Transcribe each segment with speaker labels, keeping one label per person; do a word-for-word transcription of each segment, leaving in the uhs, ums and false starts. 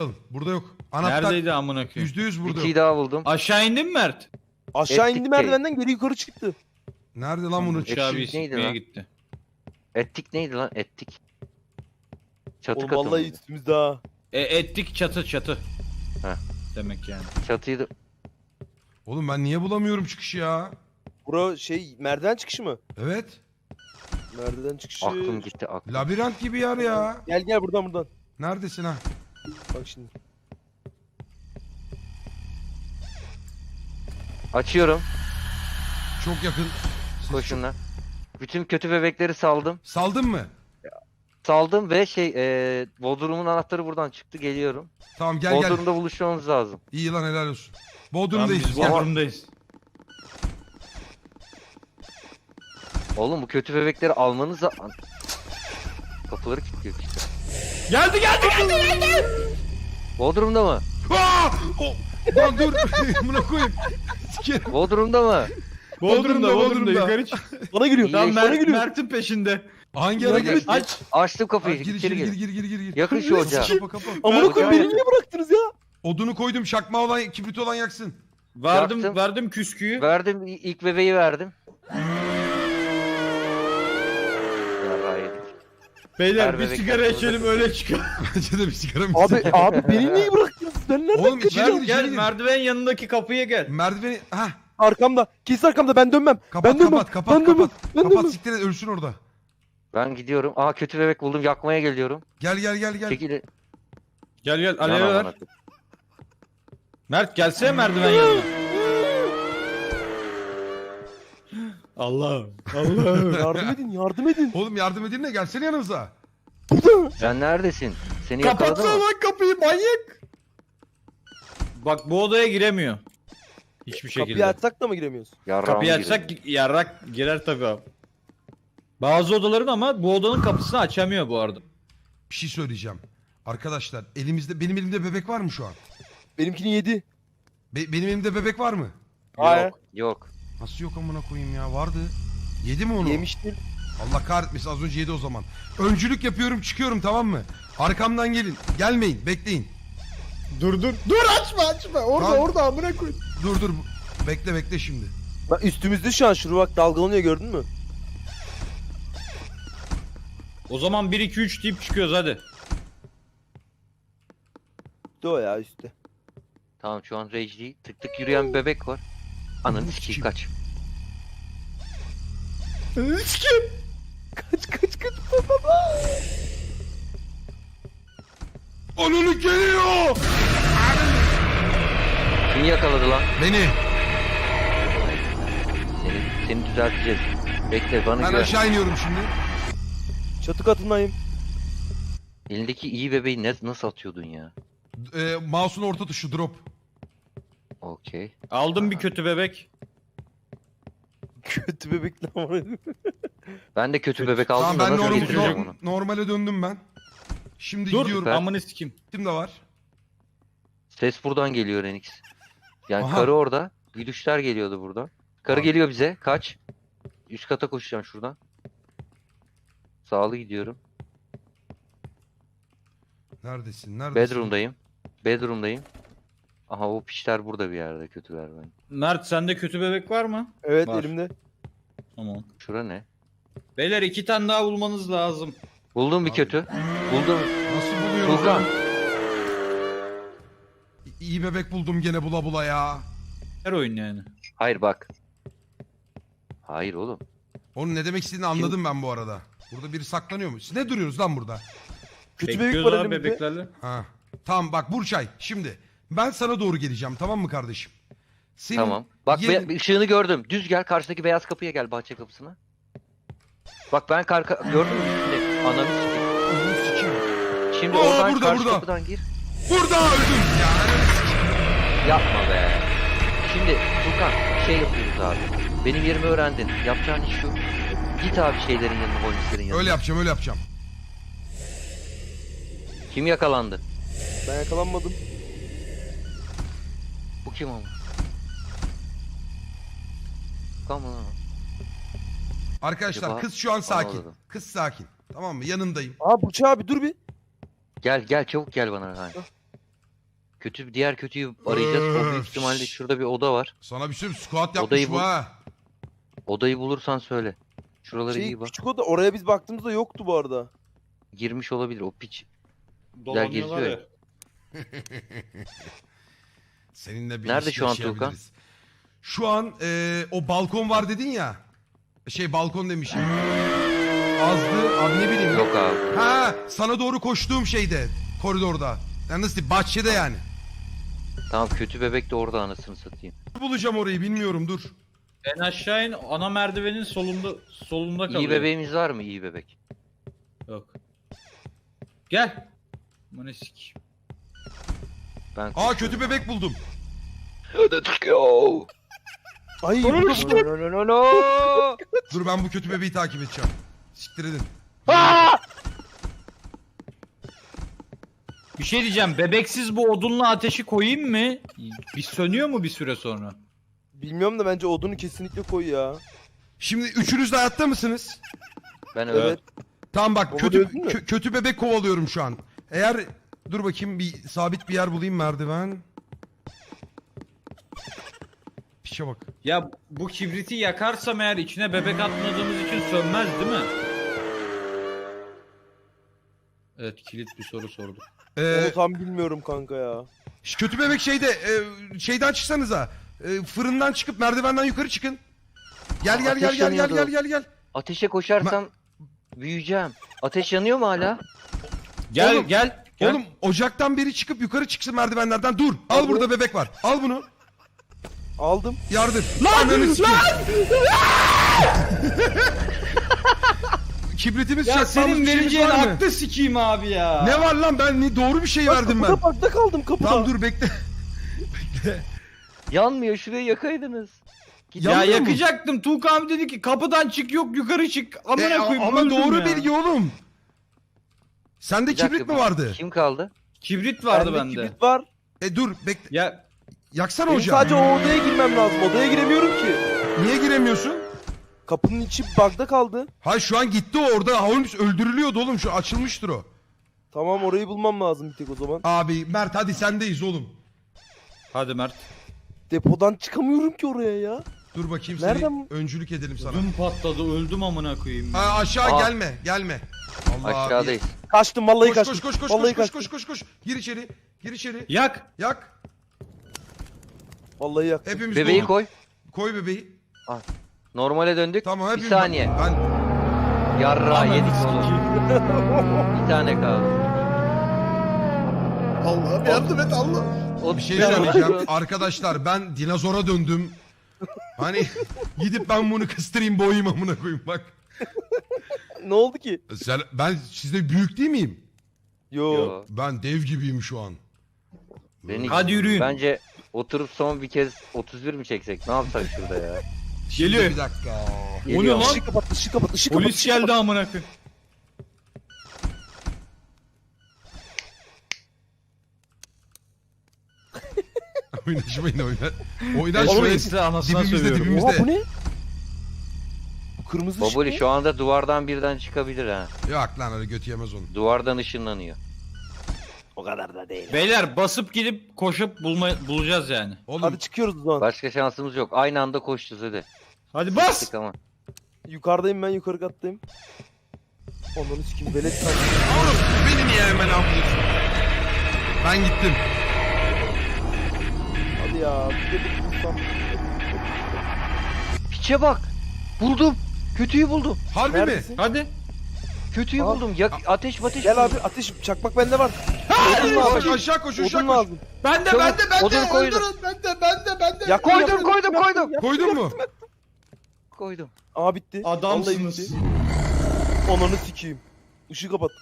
Speaker 1: Burada yok. Anahtar
Speaker 2: Neredeydi amına koyayım?
Speaker 1: yüzde yüz burada
Speaker 3: İkiyi
Speaker 1: yok.
Speaker 3: daha buldum.
Speaker 2: Aşağı indin mi Mert?
Speaker 4: Aşağı
Speaker 3: Ettik
Speaker 4: indi
Speaker 3: değil.
Speaker 4: merdivenden geri yukarı çıktı.
Speaker 1: Nerede lan bunun?
Speaker 3: Ettik
Speaker 2: Aşağı bir
Speaker 3: neydi
Speaker 2: sikmeye
Speaker 3: lan?
Speaker 2: gitti.
Speaker 3: Ettik neydi lan? Ettik. Çatı
Speaker 4: Oğlum
Speaker 3: katı
Speaker 4: vallahi
Speaker 3: mıydı?
Speaker 4: üstümüzde ha.
Speaker 2: E, ettik çatı çatı.
Speaker 3: Heh.
Speaker 2: Demek yani.
Speaker 3: Çatıyı da...
Speaker 1: Oğlum ben niye bulamıyorum çıkışı ya?
Speaker 4: Bura şey merdiven çıkışı mı?
Speaker 1: Evet.
Speaker 4: Merdiven çıkışı.
Speaker 3: Aklım gitti aklım.
Speaker 1: Labirent gibi yer ya.
Speaker 4: Gel gel buradan buradan.
Speaker 1: Neredesin ha?
Speaker 4: Bak şimdi.
Speaker 3: Açıyorum.
Speaker 1: Çok yakın. Siz
Speaker 3: Koşun lan. Bütün kötü bebekleri saldım.
Speaker 1: çok- Saldın mı?
Speaker 3: Saldım ve şey eee Bodrum'un anahtarı buradan çıktı, geliyorum.
Speaker 1: Tamam gel gel.
Speaker 3: Bodrum'da buluşmamız lazım.
Speaker 1: İyi lan helal olsun.
Speaker 2: Tamam,
Speaker 1: Bodrum'dayız.
Speaker 2: biz
Speaker 1: Gel.
Speaker 2: Bodrum'dayız.
Speaker 3: Oğlum bu kötü bebekleri almanız da... An- Kapıları kilitliyor işte.
Speaker 2: Geldi geldi geldi geldi.
Speaker 3: Bodrum'da mı?
Speaker 1: Aa! O- Lan dur. Buna koyayım. Sikerim.
Speaker 3: Bodrum'da mı?
Speaker 1: Bodrum'da,
Speaker 2: Bodrum'da Bodrum'da
Speaker 1: Bodrum'da.
Speaker 2: yukarı çık.
Speaker 4: Bana geliyor.
Speaker 2: Tamam
Speaker 4: Bana
Speaker 2: Mert,
Speaker 4: geliyor.
Speaker 2: Mert'in peşinde.
Speaker 1: Hangi ara
Speaker 4: Yardım
Speaker 1: gel?
Speaker 4: et.
Speaker 2: Aç.
Speaker 3: Açtım kapıyı.
Speaker 1: Gir
Speaker 3: içeri
Speaker 1: gir
Speaker 3: gir.
Speaker 1: gir gir gir gir.
Speaker 3: Yakın şu ocağa.
Speaker 1: Kapa kapa.
Speaker 4: Amına
Speaker 3: Gel,
Speaker 4: koyayım
Speaker 3: gel.
Speaker 4: beni niye bıraktınız ya?
Speaker 1: Odunu koydum çakma olan kibrit olan yaksın.
Speaker 2: Verdim
Speaker 3: Yaktım.
Speaker 2: verdim küsküyü.
Speaker 3: Verdim, i- ilk bebeği verdim. Ya yedik.
Speaker 2: Beyler
Speaker 3: Ver
Speaker 2: bir
Speaker 3: bebek
Speaker 2: sigara
Speaker 3: yaptığınızda
Speaker 2: içelim öyle çıkalım.
Speaker 1: Bence de bir sigara mı
Speaker 4: Abi
Speaker 1: içsek?
Speaker 4: abi beni niye bıraktınız? Ben nereden
Speaker 1: Oğlum,
Speaker 4: kaçacağım?
Speaker 1: ver-
Speaker 2: Gel
Speaker 1: içeri gir.
Speaker 2: merdiven yanındaki kapıya gel.
Speaker 1: Merdiveni ha
Speaker 4: Arkamda. Kesin arkamda ben dönmem.
Speaker 1: kapat
Speaker 4: ben dönmem.
Speaker 1: kapat kapat
Speaker 4: ben dönmem.
Speaker 1: kapat.
Speaker 4: Ben
Speaker 1: Kapat
Speaker 4: dönmem.
Speaker 1: siktir et ölsün orada.
Speaker 3: Ben gidiyorum. Aa kötü bebek buldum. Yakmaya geliyorum.
Speaker 1: Gel gel gel gel.
Speaker 3: Çekil.
Speaker 2: Gel gel
Speaker 3: Yan
Speaker 2: alev
Speaker 3: amına
Speaker 2: ver.
Speaker 3: koyayım.
Speaker 2: Mert gelsene merdiven yanına. Allah'ım. Allah'ım.
Speaker 4: Yardım edin yardım edin.
Speaker 1: Oğlum yardım edin de gelsene yanımıza.
Speaker 3: Sen neredesin? Seni yakaladı
Speaker 2: Kapatsana
Speaker 3: mı?
Speaker 2: lan kapıyı manyak. Bak bu odaya giremiyor. Hiçbir şekilde.
Speaker 4: Kapıyı açsak da mı giremiyoruz?
Speaker 3: Yarrağımı
Speaker 2: Kapıyı
Speaker 3: girdi.
Speaker 2: açsak yarrak girer tabii abi. Bazı odaların ama bu odanın kapısını açamıyor bu arada.
Speaker 1: Bir şey söyleyeceğim. Arkadaşlar elimizde benim elimde bebek var mı şu an?
Speaker 4: Benimkini yedi.
Speaker 1: Be- benim elimde bebek var mı?
Speaker 4: Hayır.
Speaker 3: Yok. Yok.
Speaker 1: Nasıl yok amına koyayım ya vardı. Yedi mi onu?
Speaker 4: Yemiştir.
Speaker 1: Allah kahretmesin az önce yedi o zaman. Öncülük yapıyorum çıkıyorum tamam mı? Arkamdan gelin. Gelmeyin bekleyin.
Speaker 2: Dur dur. Dur açma açma. Orada
Speaker 1: Tamam.
Speaker 2: orada amına koy.
Speaker 1: Dur dur bekle bekle şimdi.
Speaker 4: Bak üstümüzde şu an şuru bak dalgalanıyor gördün mü?
Speaker 2: O zaman bir iki üç deyip çıkıyoruz hadi.
Speaker 4: Üstte o ya üstte.
Speaker 3: Tamam şu an rage değil. Tık tık yürüyen bir bebek var. Ananı sikeyim
Speaker 1: Kim?
Speaker 3: kaç.
Speaker 4: Kaç kaç kaç.
Speaker 1: Ananı geliyor.
Speaker 3: Kim yakaladı lan?
Speaker 1: Beni.
Speaker 3: Seni, seni düzelteceğiz. Bekle bana
Speaker 1: Ben
Speaker 3: güven.
Speaker 1: aşağı iniyorum şimdi.
Speaker 4: Çatı katındayım.
Speaker 3: Elindeki iyi bebeği ne, nasıl atıyordun ya?
Speaker 1: Ee, mouse'un orta tuşu drop.
Speaker 3: Okey.
Speaker 2: Aldım bir kötü bebek.
Speaker 4: Kötü bebekler var.
Speaker 3: Ben de kötü bebek aldım
Speaker 1: Tamam
Speaker 3: da
Speaker 1: ben
Speaker 3: nasıl
Speaker 1: norm-
Speaker 3: getireceğim
Speaker 1: norm-
Speaker 3: onu?
Speaker 1: normale döndüm ben. Şimdi
Speaker 2: Dur
Speaker 1: gidiyorum.
Speaker 3: Ben-
Speaker 2: amını sikim.
Speaker 1: Kim de var?
Speaker 3: Ses buradan geliyor Renix. Yani
Speaker 1: Aha.
Speaker 3: karı orada. Güdüşler geliyordu burada. Karı
Speaker 1: Abi.
Speaker 3: geliyor bize. Kaç. Üst kata koşacağım şuradan. Sağlı gidiyorum.
Speaker 1: Neredesin? Neredesin?
Speaker 3: Bedroom'dayım. Bedroom'dayım. Aha o piçler burada bir yerde kötüler ben.
Speaker 2: Mert sende kötü bebek var mı?
Speaker 4: Evet
Speaker 2: Var.
Speaker 4: elimde.
Speaker 2: Tamam.
Speaker 3: Şura ne?
Speaker 2: Beyler iki tane daha bulmanız lazım.
Speaker 3: Buldum bir
Speaker 1: Abi.
Speaker 3: kötü. Buldum.
Speaker 1: Nasıl buluyorum?
Speaker 3: Furkan.
Speaker 1: İyi bebek buldum gene bula bula ya.
Speaker 2: Her oyun yani.
Speaker 3: Hayır bak. Hayır oğlum.
Speaker 1: Onun ne demek istediğini anladım ben bu arada. Burada biri saklanıyor mu? Siz ne duruyoruz lan burada?
Speaker 4: Kötü bebek
Speaker 2: Bekliyoruz
Speaker 4: var
Speaker 2: abi
Speaker 4: elimde.
Speaker 2: bebeklerle.
Speaker 1: Ha. Tamam bak Burçay şimdi ben sana doğru geleceğim tamam mı kardeşim? Senin
Speaker 3: Tamam. Bak
Speaker 1: yerin-
Speaker 3: be- ışığını gördüm. Düz gel karşıdaki beyaz kapıya gel, bahçe kapısına. Bak ben kar gördün mü üstünde? Ananı sikeyim.
Speaker 1: Ananı sikeyim.
Speaker 3: Şimdi
Speaker 1: Aa,
Speaker 3: oradan
Speaker 1: burada,
Speaker 3: karşı
Speaker 1: burada.
Speaker 3: kapıdan gir.
Speaker 1: Burada öldüm ya. Ananı sikeyim.
Speaker 3: Yapma be. Şimdi Furkan şey yapıyoruz abi. Benim yerimi öğrendin. Yapacağın iş şu. Git abi şeylerin yanına, polislerin yanına.
Speaker 1: Öyle yapacağım öyle yapacağım.
Speaker 3: Kim yakalandı?
Speaker 4: Ben yakalanmadım.
Speaker 3: Bu kim ama? Furkan mı lan?
Speaker 1: Arkadaşlar
Speaker 3: Acaba
Speaker 1: kız şu an sakin.
Speaker 3: anlamadım.
Speaker 1: Kız sakin. Tamam mı? Yanındayım.
Speaker 4: Aa Burçay abi dur bir.
Speaker 3: Gel gel çabuk gel bana. Hani. Kötü diğer kötüyü arayacağız. O büyük ihtimalle şurada bir oda var.
Speaker 1: Sana bir şey söyleyeyim, squat yapmış
Speaker 3: Odayı
Speaker 1: bu
Speaker 3: bul.
Speaker 1: ha.
Speaker 3: Odayı bulursan söyle. Şuralara
Speaker 4: Şey
Speaker 3: iyi bak.
Speaker 4: küçük oda oraya biz baktığımızda yoktu bu arada.
Speaker 3: Girmiş olabilir o piç.
Speaker 2: Dolanıyorlar
Speaker 3: geziyor
Speaker 2: ya.
Speaker 1: Seninle bir
Speaker 3: Nerede
Speaker 1: ilişki
Speaker 3: şu an
Speaker 1: yaşayabiliriz. Şu an e, o balkon var dedin ya. Şey balkon demişim. Azdı abi ne bileyim.
Speaker 3: Yok abi.
Speaker 1: Ha sana doğru koştuğum şeyde. Koridorda. Yani nasıl diyeyim, bahçede yani.
Speaker 3: Tamam kötü bebek de orada anasını satayım.
Speaker 1: Bulacağım orayı bilmiyorum dur.
Speaker 2: En aşağı in, ana merdivenin solunda solunda kalıyor.
Speaker 3: İyi bebeğimiz var mı iyi bebek?
Speaker 2: Yok. Gel. Aman sik.
Speaker 3: Ben
Speaker 1: Aa kötü bebek buldum.
Speaker 4: Ay bu da bu.
Speaker 3: No no no no.
Speaker 1: Dur ben bu kötü bebeği takip edeceğim. Siktir edin.
Speaker 2: Bir şey diyeceğim. Bebeksiz bu odunla ateşi koyayım mı? Bir sönüyor mu bir süre sonra?
Speaker 4: Bilmiyorum da bence odunu kesinlikle koy ya.
Speaker 1: Şimdi üçünüz de hayatta mısınız?
Speaker 3: Ben öyle.
Speaker 4: Evet.
Speaker 1: Tamam bak
Speaker 4: Baba
Speaker 1: kötü
Speaker 4: dövdün mü?
Speaker 1: kö- kötü bebek kovalıyorum şu an. Eğer dur bakayım bir sabit bir yer bulayım merdiven. Pişe bak.
Speaker 2: Ya bu kibriti yakarsam eğer içine bebek atmadığımız için sönmez değil mi? Evet kilit bir soru sorduk.
Speaker 1: Ee,
Speaker 4: Onu tam bilmiyorum kanka ya.
Speaker 1: şu kötü bebek şeyde e, şeyden çıksanıza. E, fırından çıkıp merdivenden yukarı çıkın. Gel gel gel
Speaker 3: Ateş
Speaker 1: gel gel
Speaker 3: yanıyordu.
Speaker 1: gel gel gel.
Speaker 3: Ateşe koşarsam büyüyeceğim. Ateş yanıyor mu hala?
Speaker 2: Gel
Speaker 1: Oğlum,
Speaker 2: gel. gel.
Speaker 1: Oğlum ocaktan biri çıkıp yukarı çıksın merdivenlerden. Dur. Al
Speaker 4: Abi.
Speaker 1: burada bebek var. Al bunu.
Speaker 4: Aldım.
Speaker 1: Yardır. Lan lan. Kibritimiz
Speaker 2: Ya
Speaker 1: çakmamız
Speaker 2: senin
Speaker 1: bir şeyimiz
Speaker 2: vereceğin
Speaker 1: var mı?
Speaker 2: aklı sikeyim abi ya.
Speaker 1: Ne var lan ben ni- doğru bir şey verdim ben.
Speaker 4: Kapıda parkta kaldım kapıda.
Speaker 1: Tamam dur bekle.
Speaker 3: Yanmıyor şurayı yakaydınız. Git.
Speaker 2: Ya
Speaker 1: Yanmıyor mu?
Speaker 2: yakacaktım. Tuğka abi dedi ki kapıdan çık yok yukarı çık. Amına
Speaker 1: E,
Speaker 2: koyayım.
Speaker 1: ama
Speaker 2: öldüm
Speaker 1: doğru
Speaker 2: ya.
Speaker 1: bilgi oğlum. Sende
Speaker 3: Bir dakika,
Speaker 1: kibrit mi
Speaker 3: bir-
Speaker 1: vardı?
Speaker 3: Kim kaldı?
Speaker 2: Kibrit vardı
Speaker 4: Bende
Speaker 2: bende.
Speaker 4: kibrit var.
Speaker 1: E dur bekle.
Speaker 2: Ya
Speaker 1: Yaksana
Speaker 4: Benim
Speaker 1: ocağı.
Speaker 4: sadece o odaya girmem lazım. Odaya giremiyorum ki.
Speaker 1: Niye giremiyorsun?
Speaker 4: Kapının içi bug'da kaldı.
Speaker 1: Hayır şu an gitti o orada. Holmes öldürülüyordu oğlum. Şu açılmıştır o.
Speaker 4: Tamam orayı bulmam lazım bir tek o zaman.
Speaker 1: Abi Mert hadi sendeyiz oğlum.
Speaker 2: hadi Mert.
Speaker 4: Depodan çıkamıyorum ki oraya ya.
Speaker 1: Dur bakayım
Speaker 4: Nereden
Speaker 1: seni
Speaker 4: bu-
Speaker 1: öncülük edelim sana.
Speaker 2: Düm patladı öldüm amına koyayım.
Speaker 1: Ha, aşağı
Speaker 3: Aa.
Speaker 1: gelme gelme. Allah
Speaker 3: Aşağıdayız.
Speaker 4: Kaçtım vallahi
Speaker 1: Koş
Speaker 4: kaçtım.
Speaker 1: koş koş koş
Speaker 4: vallahi
Speaker 1: koş koş
Speaker 4: kaçtım.
Speaker 1: koş koş koş. Gir içeri. Gir içeri.
Speaker 2: Yak.
Speaker 1: Yak.
Speaker 4: Vallahi yaktım.
Speaker 1: Hepimiz
Speaker 3: Bebeği
Speaker 1: dolu.
Speaker 3: koy.
Speaker 1: Koy bebeği.
Speaker 3: Normale döndük.
Speaker 1: Tamam
Speaker 3: bir
Speaker 1: hepimiz.
Speaker 3: saniye.
Speaker 1: Ben
Speaker 3: Yarra
Speaker 2: Ananı
Speaker 3: yedik
Speaker 2: sikeyim.
Speaker 3: oğlum. Bir tane kaldı.
Speaker 1: Allah'ım yardım et Allah.
Speaker 3: O
Speaker 1: Bir şey
Speaker 3: Ben-
Speaker 1: söyleyeceğim. Arkadaşlar ben dinozora döndüm. Hani gidip ben bunu kıstırayım boğayım amına koyayım bak.
Speaker 4: Ne oldu ki?
Speaker 1: Sen, ben sizde büyük değil miyim?
Speaker 4: Yo.
Speaker 3: Yo.
Speaker 1: Ben dev gibiyim şu an.
Speaker 3: Beni-
Speaker 2: Hadi yürüyün.
Speaker 3: Bence oturup son bir kez otuz bir mi çeksek? Ne yapsak şurada ya?
Speaker 1: Şimdi
Speaker 2: Geliyor.
Speaker 1: bir dakika.
Speaker 3: Geliyor.
Speaker 2: lan?
Speaker 4: Işık kapat, ışık kapat, ışık kapat.
Speaker 2: Polis
Speaker 4: ışık
Speaker 2: geldi
Speaker 4: kapat.
Speaker 2: amına koyayım.
Speaker 1: Oynaşmayın oyna.
Speaker 2: Ben
Speaker 1: Oynaşmayın.
Speaker 2: size anasına
Speaker 1: Dibimizde
Speaker 2: sövüyorum.
Speaker 1: dibimizde.
Speaker 4: Oha bu ne? Bu kırmızı ışık
Speaker 3: Baboli
Speaker 4: ne?
Speaker 3: şu anda duvardan birden çıkabilir ha.
Speaker 1: Yok lan öyle götü yemez onu.
Speaker 3: Duvardan ışınlanıyor.
Speaker 4: O kadar da değil.
Speaker 2: Beyler basıp gidip koşup bulma, bulacağız yani.
Speaker 1: Oğlum
Speaker 4: Hadi çıkıyoruz o zaman.
Speaker 3: Başka şansımız yok. Aynı anda koşacağız hadi.
Speaker 2: Hadi bas.
Speaker 3: Çık ama.
Speaker 4: Yukarıdayım ben, yukarı kattayım. Onları sikim velet sandım.
Speaker 1: oğlum beni niye hemen alıyorsun? Ben gittim.
Speaker 4: Hadi ya. Bir de bir bulsam.
Speaker 3: Piçe bak. Buldum. Kötüyü buldum.
Speaker 1: Harbi mi?
Speaker 4: Neredesin?
Speaker 2: Hadi.
Speaker 3: Kötüyü
Speaker 4: Aa.
Speaker 3: buldum. Yak ateş ateş.
Speaker 4: Gel abi ateş, çakmak bende var. Odun
Speaker 1: Koş
Speaker 4: lazım.
Speaker 1: aşağı koş aşağı
Speaker 4: Odun
Speaker 1: koş.
Speaker 4: lazım.
Speaker 2: Ben de
Speaker 3: Çabuk,
Speaker 2: ben de ben de.
Speaker 3: odun koydum.
Speaker 1: Öldürün bende bende bende.
Speaker 4: Ya
Speaker 3: Koydum,
Speaker 4: yaktım,
Speaker 3: koydum,
Speaker 4: yaktım,
Speaker 3: koydum.
Speaker 4: yaktım.
Speaker 1: Koydun mu?
Speaker 3: Koydum.
Speaker 4: Aa bitti. Vallahi
Speaker 2: Adamsınız.
Speaker 4: bitti. Onanı sikeyim. Işığı kapat.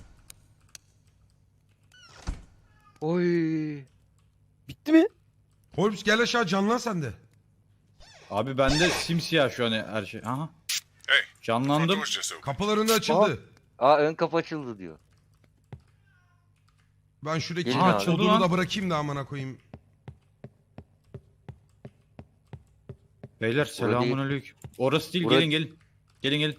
Speaker 3: Oy.
Speaker 4: Bitti mi?
Speaker 1: Holmes gel aşağı canlan sen de.
Speaker 2: Abi bende simsiyah şu an her şey. Aha. Canlandım.
Speaker 1: Kapılarında açıldı.
Speaker 3: Aa ön kapı açıldı diyor.
Speaker 1: Ben şuradaki
Speaker 3: Gelin
Speaker 2: abi.
Speaker 1: odunu
Speaker 2: Lan.
Speaker 1: da bırakayım da amına koyayım.
Speaker 2: Beyler
Speaker 3: değil.
Speaker 2: selamünaleyküm. Orası değil
Speaker 3: Burası-
Speaker 2: gelin gelin. Gelin gelin.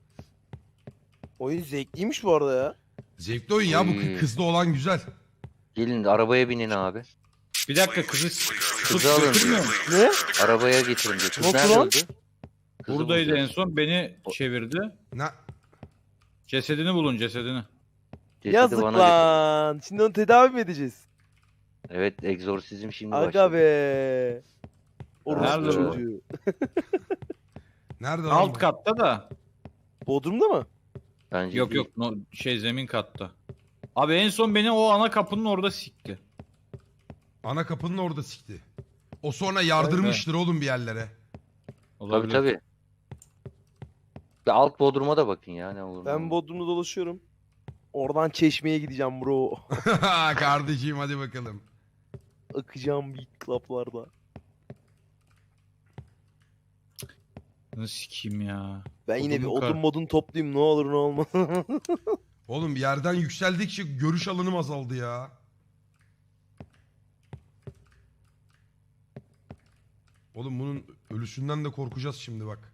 Speaker 4: Oyun zevkliymiş bu arada ya.
Speaker 1: Zevkli oyun ya bu
Speaker 3: Hmm.
Speaker 1: kı- kızlı olan güzel.
Speaker 3: Gelin arabaya binin abi.
Speaker 2: Bir dakika kızı tut
Speaker 3: Kızı alın
Speaker 2: götürmüyor
Speaker 3: diyor.
Speaker 2: mu?
Speaker 4: Ne?
Speaker 3: Arabaya getirin diyor. Kız
Speaker 4: Nasıl
Speaker 3: nerede
Speaker 4: lan?
Speaker 3: öldü? Kızı
Speaker 2: Buradaydı
Speaker 3: bulacağız.
Speaker 2: en son beni çevirdi.
Speaker 1: Ne?
Speaker 2: Cesedini bulun cesedini.
Speaker 3: Cesedi
Speaker 4: Yazık
Speaker 3: bana
Speaker 4: lan. Şimdi onu tedavi mi edeceğiz?
Speaker 3: getirin. Evet egzorsizm şimdi
Speaker 4: Aga
Speaker 3: başladı.
Speaker 4: be. Orospu
Speaker 2: Nerede bu?
Speaker 4: çocuğu.
Speaker 1: Nerede lan
Speaker 2: Alt
Speaker 1: bu?
Speaker 2: katta da.
Speaker 4: Bodrum'da mı?
Speaker 3: Bence
Speaker 2: Yok
Speaker 3: değil.
Speaker 2: yok no, şey zemin katta. Abi en son beni o ana kapının orada sikti.
Speaker 1: Ana kapının orada sikti. O sonra yardırmıştır oğlum bir yerlere.
Speaker 3: Tabii
Speaker 2: Olabilir.
Speaker 3: tabii. Bir alt bodruma da bakın ya ne olur. ne
Speaker 4: Ben
Speaker 3: olmaz.
Speaker 4: Bodrum'da dolaşıyorum. Oradan Çeşme'ye gideceğim bro.
Speaker 1: Kardeşim hadi bakalım.
Speaker 4: Akacağım big club'larda.
Speaker 2: Nasıl sikeyim ya.
Speaker 4: Ben yine bir
Speaker 2: Odun kar-
Speaker 4: odun modun toplayayım ne olur ne olmaz.
Speaker 1: Oğlum yerden yükseldikçe görüş alanım azaldı ya. Oğlum bunun ölüsünden de korkacağız şimdi bak.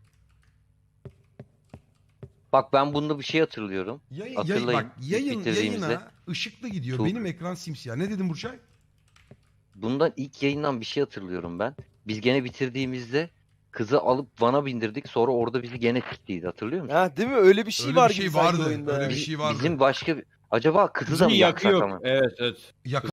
Speaker 3: Bak ben bunda bir şey hatırlıyorum.
Speaker 1: Yayın,
Speaker 3: Hatırlayın,
Speaker 1: yayın, bak
Speaker 3: ilk
Speaker 1: yayın,
Speaker 3: bitirdiğimizde.
Speaker 1: yayına ışıklı gidiyor.
Speaker 3: Çok-
Speaker 1: Benim ekran simsiyah. Ne dedin Burçay?
Speaker 3: Bundan ilk yayından bir şey hatırlıyorum ben. Biz gene bitirdiğimizde kızı alıp vana bindirdik. Sonra orada bizi gene siktiydi hatırlıyor musun?
Speaker 4: Ha değil mi? Öyle bir şey
Speaker 1: Öyle
Speaker 4: var
Speaker 1: bir şey
Speaker 4: gibi sanki
Speaker 1: vardı,
Speaker 4: oyunda.
Speaker 1: öyle bir
Speaker 3: Biz-
Speaker 1: şey vardı.
Speaker 3: Bizim başka bir... Acaba kızı da
Speaker 2: Kızın
Speaker 3: mı
Speaker 2: yakı
Speaker 3: yaksak
Speaker 2: yok.
Speaker 3: ama?
Speaker 2: Evet evet.
Speaker 1: Yak